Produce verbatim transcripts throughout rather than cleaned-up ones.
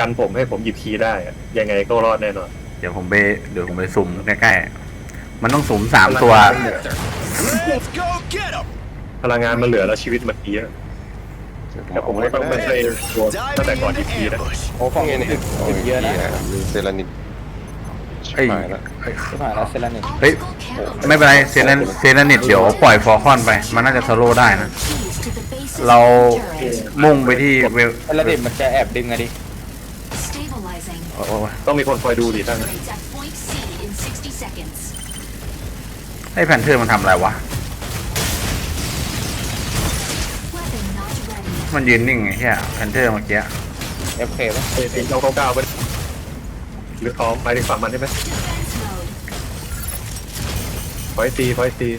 กันผมให้ผมหยิบคีย์ได้อะยังไงก็รอดแน่นอนเดี๋ยวผมไปเดี๋ยวผมไปสุ่มใกล้ๆมันต้องสุ่มสามตัวพลังงานมันเหลือแล้วชีวิตมันเยอะแต่ผมก็ต้องไม่ใช่ตัวตั้งแต่ก่อนหยิบคีย์นะโอ้ของเงินติดติดเยอะนะมีเซรานิดเอ้ยชิบหายแล้วเซรานิดเฮ้ยไม่เป็นไรเซเลนเซเลนิตเดี๋ยวปล่อยฟอร์คอนไปมันน่าจะโซโล่ได้นะเรามุ่งไปที่เวลเซรานิดมันจะแอบดึงอะดิโอ้ยต้องมีคนคอยดูดิท่านไอ้แพนเทอร์มันทำอะไรวะมันยืนนิ่งไงเฮียแพนเทอร์เมื่อกี้เอฟเคป่ะเอ็นเก้าเก้าเก้าไปหรืออ๋อไปถึงฝั่งมันได้ไหมพอยตีพอยตี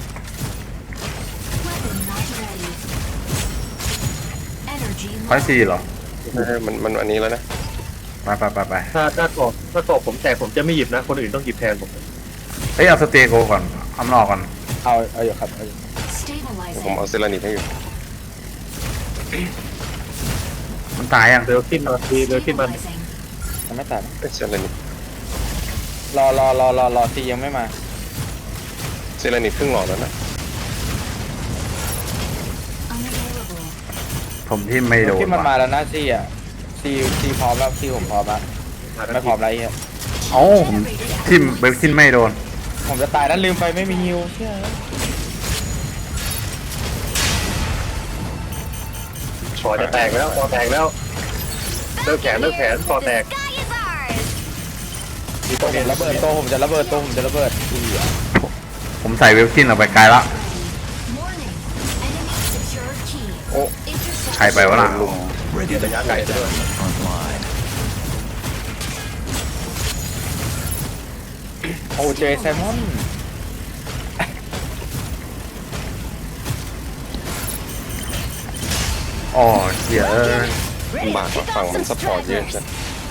พอยซีเหรอมันมันอันนี้แล้วนะไปไปไปไปถ้าถ้ากรอบถ้ากรอบผมแตกผมจะไม่หยิบนะคนอื่นต้องหยิบแทนผมเฮ้ยเอาสเตโกก่อนเอามันออกก่อนเอาเอาอยู่ครับเอาอยู่ผมเอาเซรานิดให้อยู่มันตายยังเร็วขึ้นมาทีเร็วขึ้นมามันไม่ตัดเซรานิดรอรอรอรอรอตียังไม่มาเซรานิดครึ่งหลอดแล้วนะผมที่ไม่โดนที่มันมาว่ะแล้วนะซีอ่ะซีซีพร้อมแล้วซีผมพร้อมแล้วไม่พร้อมไรเงี้ยเอ้าผมทิมเบลคินไม่โดนผมจะตายนั้นลืมไปไม่มีฮิวเชื่อคอจะแตกแล้วคอแตกแล้วเลิกแขนเลิกแขนคอแตกมีตัตัว วผเนี้มระเบิดตัวผมจะระเบิดตัวผมจะระเบิดอีอ่ะผมใส่เวลคินออกไปไกลละโอ้ใครไปวะล่ะระยะไกลด้วยโอ้เจแซมมอนอ๋อเหี้ยเอ้ยลำบากกว่าฝั่งมันซัพพอร์ตเยอะจัง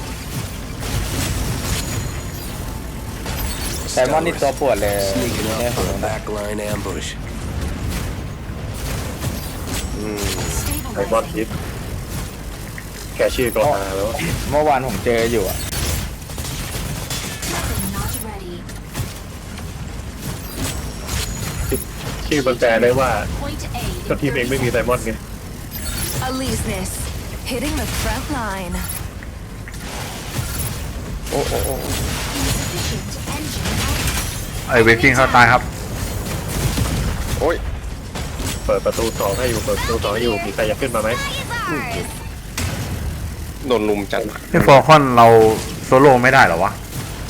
แซมมอนนี่ตัวปวดเลยเนี่ยผมนะ Backline ambush. อืมไอบอลทิปแค่ชื่อก็มาแล้วเมื่อวานผมเจออยู่อ่ะชื่อมันแปลได้ว่าเจ้าทีมเองไม่มีไซมอนไง Aleseness, hitting the front line. โอ้โอ้โอ้ไอเวลคินเขาตายครับโอ้ยเปิดประตูสองให้อยู่เปิดประตูสองให้อยู่มีใครอยากขึ้นมาไหมโดนลุมจัดไอฟอร์คอนเราโซโล่ไม่ได้เหรอวะ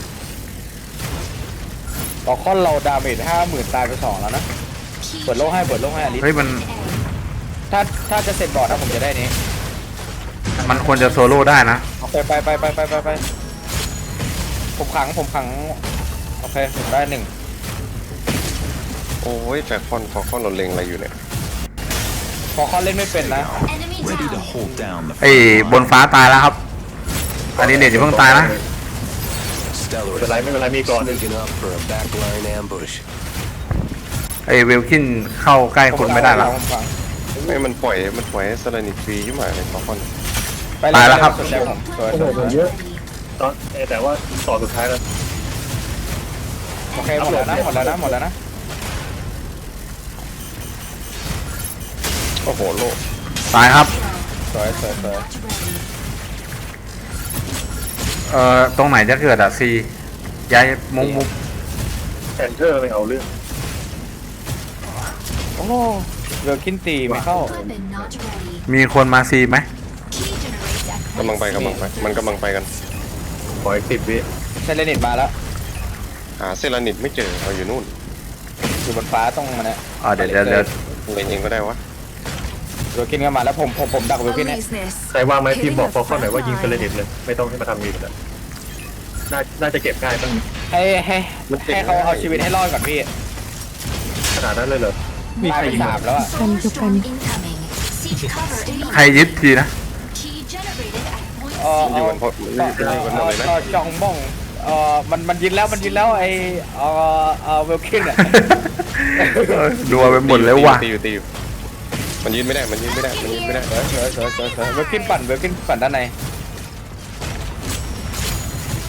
ต่อคอนเราดาเมจห้าหมื่นตายไปสองแล้วนะเปิดโลกให้เปิดโลกให้อลิสเฮ้ยมันถ้าถ้าจะเสร็จบอร์ดนะผมจะได้นี้มันควรจะโซโล่ได้นะไปไปไปไปไปไปไปผมขังผมขังโอเคผมได้หนึ่งโอ้ยแฟคอนฟอคอนเราเล็งอะไรอยู่เนี่ยพอเขาเล่นไม่เป็นนะ Ready to hold down the ไอบนฟ้าตายแล้วครับ อันนี้เด็ดอย่าเพิ่งตายนะไม่ Stellar เป็นไรไม่เป็นไรมีก่อน sneaking up for a backline ambush. ไอเวลคินเข้าใกล้คนไม่ได้ละผมขังไม่มันปล่อยมันปล่อยให้เซรานิดฟรีขึ้นมาเลยฟอคอนไปเยตายแล้วครับสนใจผมสวยโอ้สโหวยเยอะตอนแต่ว่าต่อสุดท้ายแล้วโอเคหมดแล้วนะหมดแล้วนะหมดแล้วนะโอ้โหโลตายครับสวยสวยสวยเอ่อตรงไหนจะเกิดอะซีย้ายมุกมุกแอนเทอร์ไม่เอาเรื่องโอ้เวลคินตีไม่เข้ามีคนมาซีไหมกำลังไปกำลังไปมันกำลังไปกันขออีกสิบวิเซเลนิตมาแล้วหาเซรานิดไม่เจอเอาอยู่นู่นอยู่บนฟ้าตรงมันเนี่ยอ่าเดี๋ยวเดี๋ยวเดี๋ยวเล็งเองก็ได้วะเวลคินก็มาแล้วผมผมผมดักเวลคินเนี่ย Aleseness, ใครว่างไหมทีม hitting บอก the ฟอลคอน front หน่อยว่ายิงเซเลนิต line. เลยไม่ต้องให้มาทำมีดแล้วน่าน่าจะเก็บง่ายตั้งให้ให้ให้เขาเอาชีวิตให้รอดก่อนพี่ขนาดนั้นเลยเหรอมีตายใครไปยิงสามแล้วอ่ะ Thunderstorm incoming. Siege cover ใครยึดทีนะ Key generated at point เออมันอยู่เอากันพอมันอยู่กันหมดเลยนะต่อจองบ้องเออมันมันยินแล้วมันยินแล้วไอเออเออเวลคินอ่ะเออดูเอาไปหมดแล้วว่ะตีอยู่ตีอยู่มันยืนไม่ได้มันยืนไม่ได้มันยืนไม่ได้เสือเสือเสือเสือเสือเวลคินปั่นเวลคินปั่นด้านใน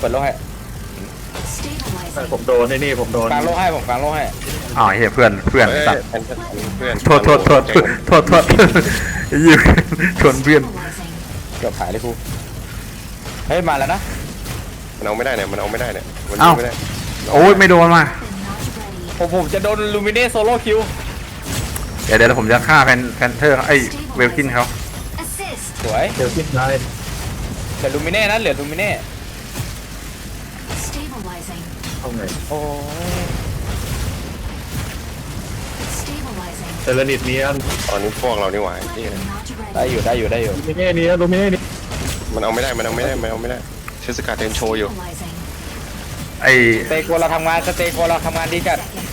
ปิดโลกให้ Stabilizing. ผมโดนไอ้นี่ผมโดนกลางโลกให้ผมกลางโลกให้อ๋อเฮียเพื่อนเพื่อนเอ้ยสัตว์แพนเทอร์เพื่อนโทษโทษโทษโทษโทษยืมชวนเพื่อน Stabilizing. เกือบหายเลยครูเฮ้ยมาแล้วนะมันเอาไม่ได้เนี่ยมันเอาไม่ได้เนี่ยมันเอ้าไม่ได้โอ้ยไม่โดนมา Not ready. ผมผมจะโดนลูมิเน่โซโล่คิวเดี๋ยวเดี๋ยวผมจะฆ่าแพนแพนเทอร์ไอ้เวลคินเขา Assist. สวยเดี๋ยวคิดได้เหลือลูมิเน่นะเหลือลูมิเน่ Stabilizing. เข้าไงโอ้ย Stabilizing. เซเลนิตเนียนตอนนี้พวกเรานี่หว่าที่ Not ได้ ready. อยู่ได้อยู่ได้อยู่ลูมิเน่เนียนลูมิเน่เนียนมันเอาไม่ได้มันเอาไม่ได้มันเอาไม่ได้เทสกาเทนโชว์อยู่ Stabilizing. ไอ้สเตโกเราทำงานสเตโกเราทำงานดีจัด Seconds.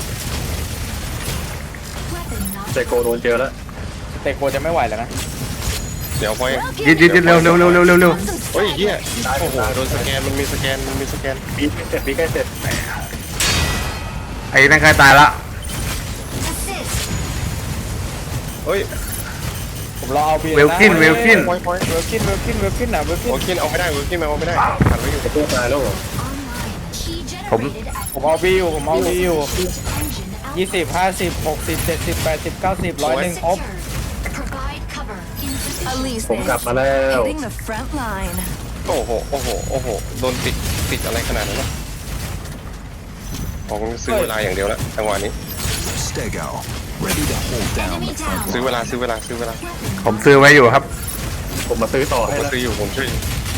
Weapon not เซโกโดนเจอแล้วสเตโกจะไม่ไหวแล้วนะเดี๋ยวพอยยิดยิดยิดเร็วเร็วเร็วเร็วเร็วเร็วเฮ้ยเฮียโอ้โหโดนสแกนมันมีสแกนมันมีสแกนปีใกล้เสร็จปีใกล้เสร็จไอ้นั่นใกล้ตายละ Assist. เฮ้ยผมรอเอาบีเวลคินเวลคินเวลคินเวลคินเวลคินนะเวลคินโอเคเอาไม่ได้เวิร์กที่มันเอาไม่ได้ผ่านไว้อยู่ประตูมาแล้วเหรอ Online. Key ผม- generated at ผมเอาบีอยู่ผมเอาบีอยู่ engine ยี่สิบห้าสิบหกสิบเจ็ดสิบแปดสิบเก้าสิบร้อยหนึ่งครบ secured. Provide cover. In position. Elise ผมกลับมาแล้ว Hitting the front line. โอ้โหโอ้โหโอ้โหโดนติดติดอะไรขนาดนั้นวะผมซื้อเวลาอย่างเดียวแล้วจังหวะนี้ Stego. Ready to hold down Enemy the front down. ซื้อเวลาซื้อเวลาซื้อเวลาผมซื้อไว้อยู่ครับผมมาซื้อต่อผมให้ก็แล้วซื้ออยู่ผมช่วย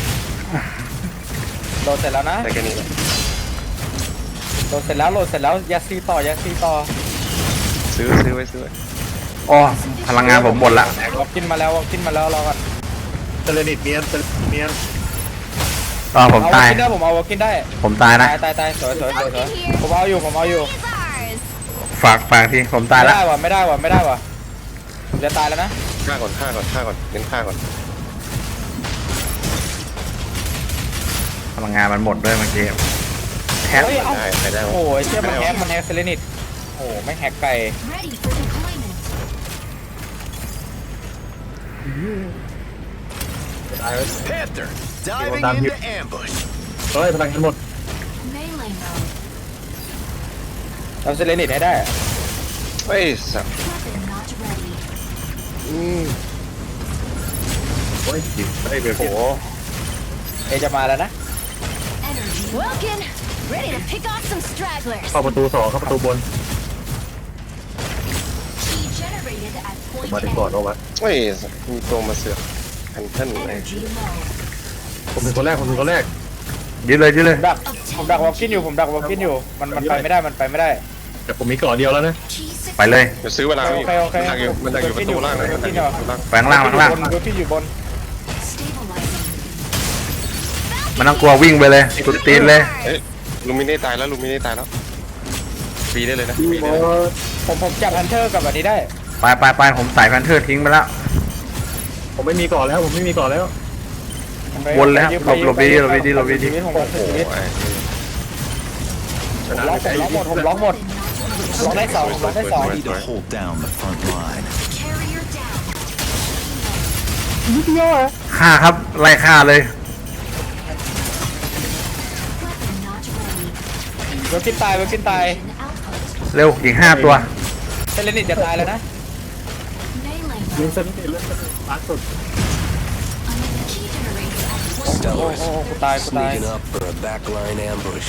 โหลดเสร็จแล้วนะได้แค่นี้แหละโหลดเสร็จแล้วโหลดเสร็จแล้วยัดซีต่อยัดซีต่อซื้อซื้อไว้ซื้อไว้อ๋อพลังงานผมหมดละวอลกินมาแล้ววอลกินมาแล้วรอก่อนเซเลนิตเนียนเซเลนิตเนียนอ๋อผมเอาวอตาลยกินได้ผมเอาวอลกินได้ผมตายนะตายตายตายสวยสวยสวยสวยผมเอาอยู่ผมเอาอยู่ Is ours. ฝากฝากทีผมตายไม่ละได้ว่ะไม่ได้ว่ะไม่ได้ว่ะผมจะตายแล้วนะฆ่าก่อนฆ่าก่อนฆ่าก่อนเน้นฆ่าก่อนพลังงานมันหมดด้วยเมื่อกี้แฮกเฮ้ยเอ้าได้ไปได้โอ้ยเชื่อมันแฮกมันแฮกเซเลนิตโอ้ไม่งแฮกไก่ Ready for deployment. ตายแล้ว Panther. Diving Diving into ambush. เฮ้ยพลังงานหมด Melee mode. เราเซเลนิตให้ได้เฮ้ยสัตว์ Weapon not ready. อืมโอ้ยจิ๋วไอ้เบลโอ้คิดโหเอจะมาแล้วนะ Energy. Welkin. Ready to pick off some stragglers. เข้าประตูสองเข้าประตูบน Key generated at มา point ถึงก่อน A. เอาวะเฮ้ยสัตว์มีตัวมาเสือกแพนเทิลอะไร Energy low. ผมเป็นคนแรกผมเป็นคนแรกยืดเลยยืดเลยผมดักผมดักวอลกินอยู่ผมดักวอลกินอยู่มันมันไปไม่ได้มันไปไม่ได้แต่ผมมีก่อนเดียวแล้วนะ Key ไปเลยเดี๋ยวซื้อเวลาโอพี่เคโอเคมันดักอยู่มันดักอยู่ประตูล่างเลยมันดักอยู่ประตูล่างแฝงล่างแฝงล่างบนเวลกินอยู่บน stabilizing. มันต้องกลัววิ่งไปเลยสุดตีนเลยเอ้ยลูมิเน่ตายแล้วลูมิเน่ตายแล้วปีได้เลยนะปีได้เลยผมผมจับฮันเตอร์กับอันนี้ได้ไปไปไปผมใส่แพนเทอร์ทิ้งไปแล้วผมไม่มีก่อนแล้วผมไม่มีก่อนแล้ววนเลยครับหลบหลบดีหลบดีหลบดีผมล็อกโอ้โหชีวิตไอ้ชนะล็อกผมล็อกหมดผมล็อกหมดล็อกได้สองล็อกได้สอง Ready to hold down the front line. Carrier down. ฆ่าครับไล่ฆ่าเลย Weapon not ready. เวลกินตายเวลกินตาย Mission outpost. เร็วอีกห้าตัวเซเลนิตจะตายแล้วนะ Melee ยิง mode. เซเลนิตเลือดล้านสุด Key generated at point โอ้โห Stellars. กูตายกูตาย Sneaking up for a backline ambush.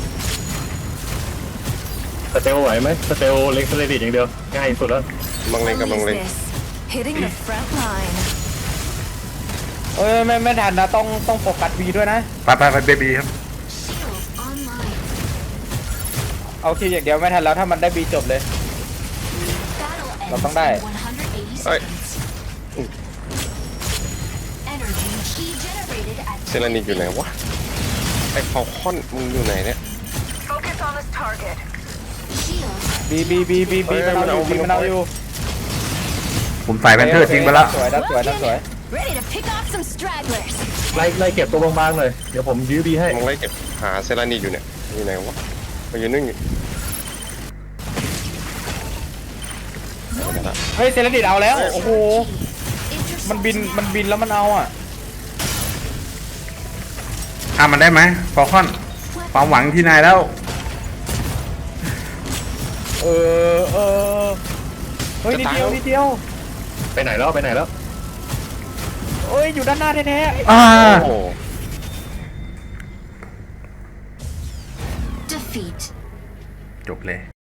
สเตลไหวไหมสเตลเล็กเซเลนิตอย่างเดียวง่ายสุดแล้วมังเลงกับมังเลง Elise this. Hitting the front line. เอ้ยไม่ไม่ทันนะต้องต้องโฟกัสวีด้วยนะไปไปไปเบบีครับ Shields online. เอาคิวอย่างเดียวไม่ทันแล้วถ้ามันได้บีจบเลย Battle Nó ends bắn đây. in one hundred eighty Ơi. seconds. Energy key generated at เซรานิกอยู่ไหนวะไอ้ฟอลคอนมึงอยู่ไหนเนี่ย Focus on this target. Shields บีบีบีบีบีมันเอาอยู่บีมันเอาอยู่ผมใส่แพนเทอร์ทิ้งไปแล้วสวยนะสวยนะสวย ready to pick off some stragglers. ไล่ไล่เก็บตัวบางๆหน่อยเดี๋ยวผมยื้อบีให้มึงไล่เก็บหาเซรานิกอยู่เนี่ยอยู่ไหนวะมาอยู่นึ่งอยู่เฮ้ยเซเลนิตเอาแล้วโอ้โหมันบินมันบินแล้วมันเอาอ่ะทฆ่ามันได้ไหมฟอลคอนความหวังที่นายแล้วเออเออเฮ้ยนิดเดียวนิดเดียวไปไหนแล้วไปไหนแล้วเอ้ยอยู่ด้านหน้าแท้ๆอ่าโอ้ Defeat. จบเลย